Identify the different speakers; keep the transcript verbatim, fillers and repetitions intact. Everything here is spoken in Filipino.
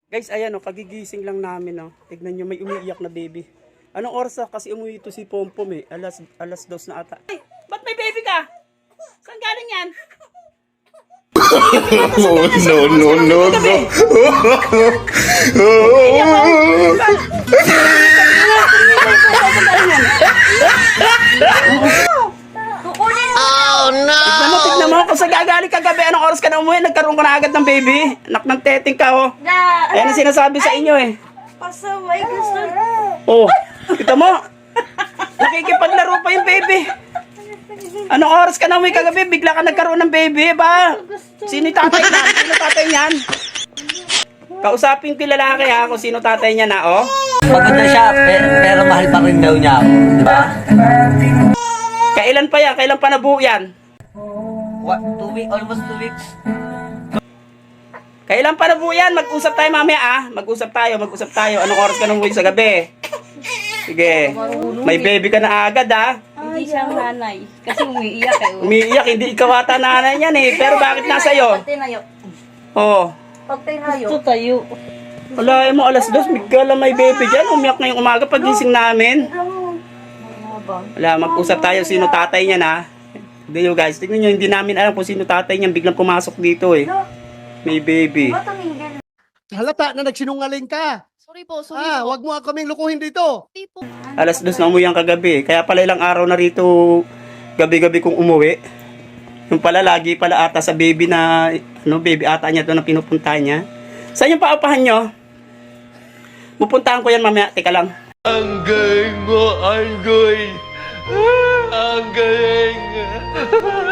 Speaker 1: Guys, ayan o, kagigising lang namin o. Tignan nyo, may umiiyak na baby. Anong oras na? Kasi umuwi ito si Pompom eh. Alas, alas dos na ata. Ay, ba't may baby ka? Saan galing yan?
Speaker 2: Oh, no, no, no, no.
Speaker 3: Oh no!
Speaker 1: Tignan mo, tignan mo. Kung sa gagaling kagabi, anong oras ka na umuwi? Nagkaroon ka na agad ng baby. Nak ng teteng ka oh. Ayan ang sinasabi sa inyo eh.
Speaker 4: Pasaway gusto.
Speaker 1: Oh, kita mo. Nakikipaglaro pa yung baby. Anong oras ka na umuwi kagabi? Bigla ka nagkaroon ng baby ba? Sino yung tatay niyan? Sino tatay niyan? Kausapin ko yung lalaki ha kung sino tatay niya na oh.
Speaker 5: Maganda siya, pero, pero mahal pa rin daw niya ako. Di ba?
Speaker 1: Kailan pa yan? Kailan pa nabuo yan?
Speaker 5: What, two weeks? Almost two weeks.
Speaker 1: Kailan pa nabuo yan? Mag-usap tayo mamaya ah. Mag-usap tayo, mag-usap tayo. Anong oras ka nang umuwi sa gabi? Sige. May baby ka na agad ah.
Speaker 4: Hindi siyang nanay. Kasi umiiyak eh.
Speaker 1: Umiiyak, hindi ikaw ata nanay niyan eh. Pero bakit nasa iyo?
Speaker 4: Pag tinayo.
Speaker 1: Oh.
Speaker 4: Pag tinayo. Gusto tayo.
Speaker 1: Wala mo, alas dos, bigla may baby dyan. Umiyak ngayong umaga pagising namin. Wala, mag-usap tayo sino tatay niya na. Hindi nyo guys, tignan nyo, hindi namin alam kung sino tatay niya. Biglang pumasok dito eh. May baby.
Speaker 2: Halata na nagsinungaling ka.
Speaker 6: Sorry po, sorry
Speaker 2: Ah,
Speaker 6: po.
Speaker 2: wag mo kaming lukuhin dito.
Speaker 6: Sorry po.
Speaker 1: Alas dos na umuwi ang kagabi. Kaya pala ilang araw na rito gabi-gabi kong umuwi. Yung pala lagi pala ata sa baby na, ano, baby ata niya to na pinupunta niya. Saan yung paupahan nyo? Pupuntahan ko yan mamaya. Teka lang.
Speaker 2: Ang galing mo, Anggoy. Ang galing.